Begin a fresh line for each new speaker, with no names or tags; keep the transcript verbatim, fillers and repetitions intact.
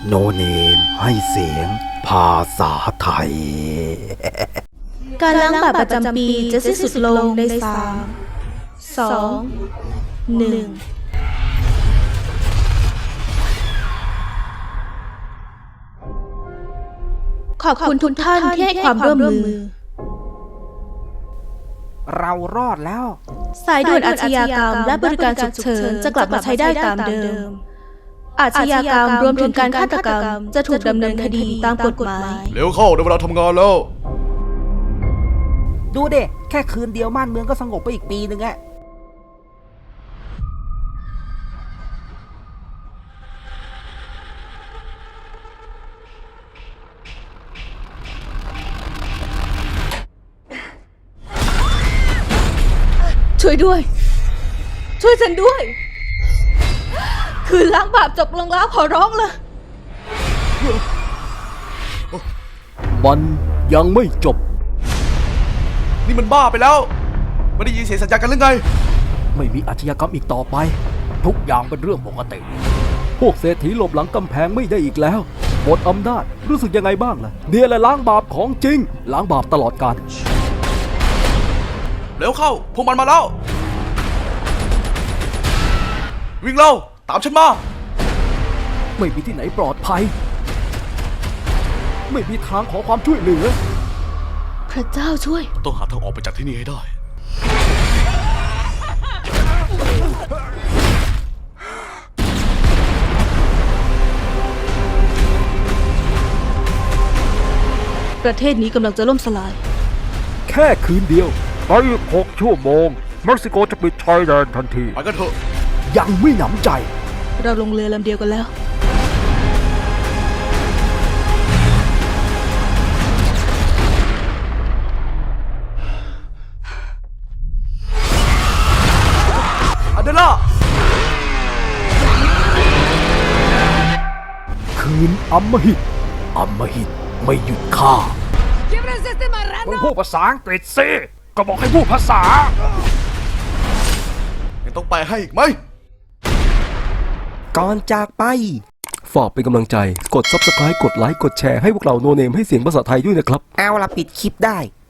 โนเนมให้เสียงภาษาไทย
การล้างบาปประจำปีจะสิ้นสุดลงในสามสองหนึ่งขอบคุณทุกท่านที่ให้ความร่วมมือ
เรารอดแล้ว
สายด่วนอาชญากรรมและบริการฉุกเฉินจะกลับมาใช้ได้ตามเดิม อาชญากรรมรวมถึงการฆาตกรรมจะถูกดำเนินคดีตามกฎหมาย
เร็วเข้าในเวลาทำงานแล้ว
ดูเด็แค่คืนเดียวม่านเมืองก็สงบไปอีกปีหนึ่งอะ
ช่วยด้วย ช่วยฉันด้วย คืนล้างบาปจบลงแล้วขอร้องเลย
มันยังไม่จบ
นี่มันบ้าไปแล้ว ไม่ได้ยินเสียงสัญญาณกันหรือไง
ไม่มีอาชญากรรมอีกต่อไป ทุกอย่างเป็นเรื่องปกติ พวกเศรษฐีหลบหลังกำแพงไม่ได้อีกแล้วหมดอำนาจรู้สึกยังไงบ้างล่ะเนี่ยแหละล้างบาปของจริง ล้างบาปตลอดกาล
เร็วเข้า พวกมันมาแล้ว วิ่งเร็ว ตามฉันมา
ไม่มีที่ไหนปลอดภัย ไม่มีทางขอความช่วยเหลือ
พระเจ้าช่วย
ต้องหาทางออกไปจากที่นี่ให้ได้
ประเทศนี้กำลังจะล่มสลาย
แค่คืนเดียวไปอีกหกชั่วโมงเม็กซิโกจะปิดชายแดนทันที
ไปกันเถอะ
ยังไม่หนำใจ
เราลงเรือลำเดียวกันแล้ว
อเดล่า
คืนอำมหิตอำมหิตไม่หยุดฆ่ามึงพูดภาษาอังกฤษสิก็บอกให้พูดภาษา
ยังต้องไปให้อีกไหม
ก่อนจากไป
ฝากเป็นกำลังใจ กด ซับสไครบ์ กดไลค์ กดแชร์ให้พวกเราโนเนมให้เสียงภาษาไทยด้วยนะครับ
เอาละปิดคลิปได้